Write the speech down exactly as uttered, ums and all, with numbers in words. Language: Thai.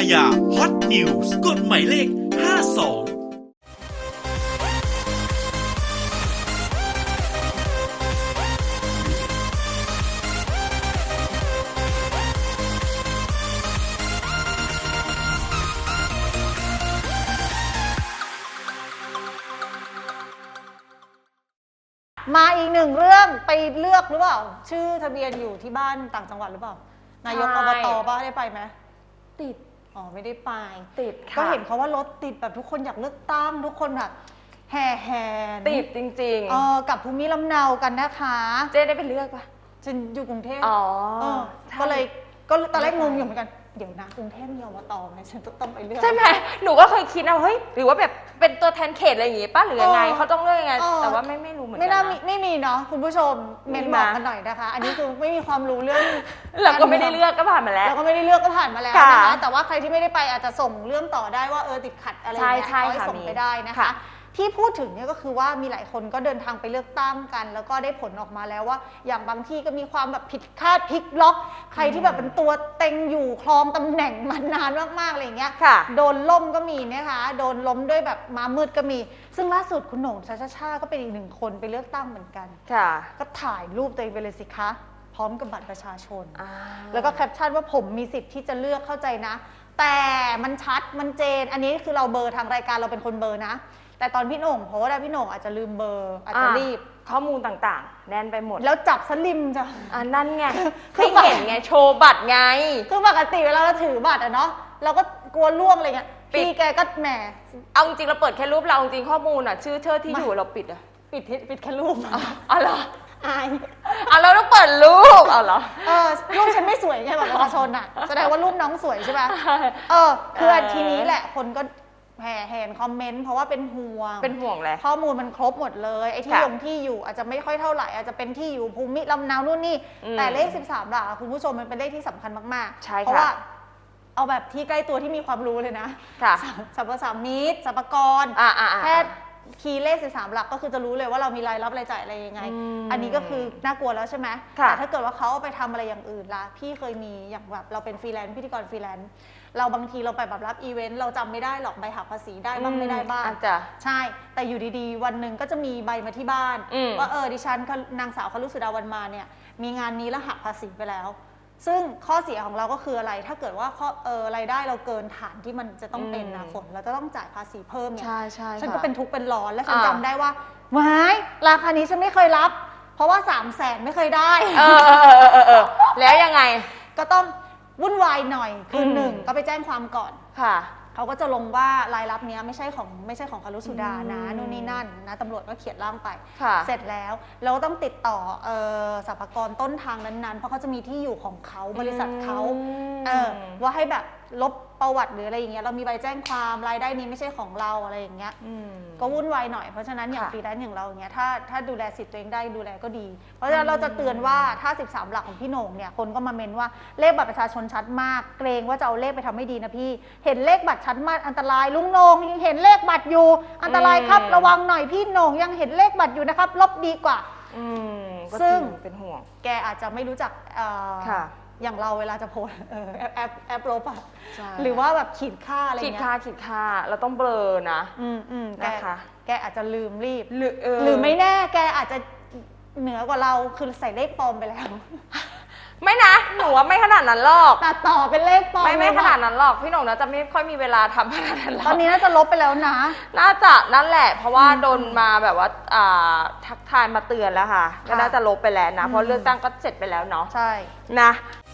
ายาฮอตนิวส์กฎหมายเลขห้าสองมาอีกหนึ่งเรื่องไปเลือกหรือเปล่าชื่อทะเบียนอยู่ที่บ้านต่างจังหวัดหรือเปล่านายกอบตป้าได้ไปไหมติดอ๋อไม่ได้ไปติดค่ะก็เห็นเขาว่ารถติดแบบทุกคนอยากเลือกตั้งทุกคนแบบแห่แหนติดจริงๆเออกับภูมิลำเนากันนะคะเจ๊ได้ไปเลือกปะฉันอยู่กรุงเทพอ๋อก็เลยก็ตอนแรกงงอยู่เหมือนกันเดี๋ยวนะกรุงเทพมีอบตไหมฉันต้องไปเลือกใช่ไหมหนูก็เคยคิดนะเฮ้ยหรือว่าแบบเป็นตัวแทนเขตอะไรอย่างงี้ป้าหรือยังไงเขาต้องเลือกยังไงแต่ว่าไม่ไม่รู้เหมือนกันไม่น่ามีไม่มีเนาะคุณผู้ชมเมนบอกกันหน่อยนะคะอันนี้คือไม่มีความรู้เรื่องเราก็ไม่ได้เลือกก็ผ่านมาแล้วเราก็ไม่ได้เลือกก็ผ่านมาแล้วนะคะแต่ว่าใครที่ไม่ได้ไปอาจจะส่งเรื่องต่อได้ว่าเออติดขัดอะไรอย่างเงี้ยก็ส่งไปได้นะคะที่พูดถึงเนี่ยก็คือว่ามีหลายคนก็เดินทางไปเลือกตั้งกันแล้วก็ได้ผลออกมาแล้วว่าอย่างบางที่ก็มีความแบบผิดคาดพลิกล็อกใครที่แบบเป็นตัวเต็งอยู่ครองตำแหน่งมานานมากๆอะไรอย่างเงี้ยโดนล้มก็มีนะคะโดนล้มด้วยแบบม้ามืดก็มีซึ่งล่าสุดคุณโหน่งชาชาชาก็เป็นอีกหนึ่งคนไปเลือกตั้งเหมือนกันก็ถ่ายรูปตัวเองไปเลยสิคะพร้อมกับบัตรประชาชนแล้วก็แคปชั่นว่าผมมีสิทธิ์ที่จะเลือกเข้าใจนะแต่มันชัดมันเจนอันนี้คือเราเบอร์ทางรายการเราเป็นคนเบอร์นะแต่ตอนพี่โหน่งเพราะว่าพี่โหน่งอาจจะลืมเบอร์อาจจะรีบข้อมูลต่างๆแน่นไปหมดแล้วจับสลิมจ้ะอันนั่นไงไม่เห็นไงโชว์บัตรไงคือปกติเวลาเราถือบัตรอะเนาะเราก็กลัวล่วงอะไรเงี้ยพี่แกก็แหมเอาจริงเราเปิดแค่รูปเราจริงข้อมูลอะชื่อเชื่อที่อยู่เราปิดอะปิดปิดแค่รูปอ๋อเหรออายเอาเราต้องเปิดรูปเอาเหรอเออรูปฉันไม่สวยไงบัตรประชาชนอะแสดงว่ารูปน้องสวยใช่ไหมเออคือทีนี้แหละคนก็แห่แหนคอมเมนต์เพราะว่าเป็นห่วงเป็นห่วงแหละข้อมูลมันครบหมดเลยไอ้ที่ลงที่อยู่อาจจะไม่ค่อยเท่าไหร่อาจจะเป็นที่อยู่ภูมิลำเนานู่นนี่แต่เลขสิบสามหลักคุณผู้ชมมันเป็นเลขที่สำคัญมากๆเพราะว่าเอาแบบที่ใกล้ตัวที่มีความรู้เลยนะสรรพสามิตสรรพากรแค่คีย์เลขสิบสามหลักก็คือจะรู้เลยว่าเรามีรายรับรายจ่ายอะไรยังไงอันนี้ก็คือน่ากลัวแล้วใช่ไหมแต่ถ้าเกิดว่าเขาเอาไปทำอะไรอย่างอื่นล่ะพี่เคยมีอย่างแบบเราเป็นฟรีแลนซ์พิธีกรฟรีแลนซ์เราบางทีเราไปแบบรับอีเวนต์เราจำไม่ได้หรอกใบหักภาษีได้บ้างไม่ได้บ้างใช่แต่อยู่ดีๆวันหนึ่งก็จะมีใบมาที่บ้านว่าเออดิฉันนางสาวคลุสุดาวันมาเนี่ยมีงานนี้แล้วหักภาษีไปแล้วซึ่งข้อเสียของเราก็คืออะไรถ้าเกิดว่าข้อเออรายได้เราเกินฐานที่มันจะต้องเป็นนะฝนเราจะต้องจ่ายภาษีเพิ่มเนี่ยใช่ใช่ฉันก็เป็นทุกข์เป็นร้อนและฉันจำได้ว่าว้ายราคานี้ฉันไม่เคยรับเพราะว่าสามแสนไม่เคยได้เออแล้วยังไงก็ต้องวุ่นวายหน่อยคือหนึ่งก็ไปแจ้งความก่อนค่ะเขาก็จะลงว่ารายรับนี้ไม่ใช่ของไม่ใช่ของคารุสุดานะนู่นนี่นั่นนะตำรวจก็เขียนร่างไปเสร็จแล้วเราต้องติดต่อสรรพากรต้นทางนั้นๆเพราะเขาจะมีที่อยู่ของเขาบริษัทเขาเออว่าให้แบบลบประวัติหรืออะไรอย่างเงี้ยเรามีใบแจ้งความรายได้นี้ไม่ใช่ของเราอะไรอย่างเงี้ยก็วุ่นวายหน่อยเพราะฉะนั้นอย่างฟรีแลนซ์อย่างเราอย่างเงี้ยถ้าถ้าดูแลสิทธิ์ตัวเองได้ดูแลก็ดีเพราะฉะนั้นเราจะเตือนว่าถ้าสิบสามหลักของพี่โหน่งเนี่ยคนก็มาเมนว่าเลขบัตรประชาชนชัดมากเกรงว่าจะเอาเลขไปทำไม่ดีนะพี่เห็นเลขบัตรชัดมากอันตรายลุงโหน่งยังเห็นเลขบัตรอยู่อันตรายครับระวังหน่อยพี่โหน่งยังเห็นเลขบัตรอยู่นะครับลบดีกว่าซึ่งเป็นห่วงแกอาจจะไม่รู้จักอย่างเราเวลาจะโพสแอปแอปแอปลบอ่ะหรือว่าแบบขีดค่าอะไรเงี้ยขีดค่าขีดค่าเราต้องเบลอนะอืมอืมนะคะแกอาจจะลืมรีบหรือหรือไม่แน่แกอาจจะเหนือกว่าเราคือใส่เลขปลอมไปแล้วไม่นะหนูว่าไม่ขนาดนั้นหรอกตัดต่อเป็นเลขปลอมไม่ไม่ขนาดนั้นหรอกพี่หน่งนะจะไม่ค่อยมีเวลาทำขนาดนั้นตอนนี้น่าจะลบไปแล้วนะน่าจะนั่นแหละเพราะว่าโดนมาแบบว่าทักทายมาเตือนแล้วค่ะก็น่าจะลบไปแล้วนะเพราะเลือกตั้งก็เสร็จไปแล้วเนาะใช่นะ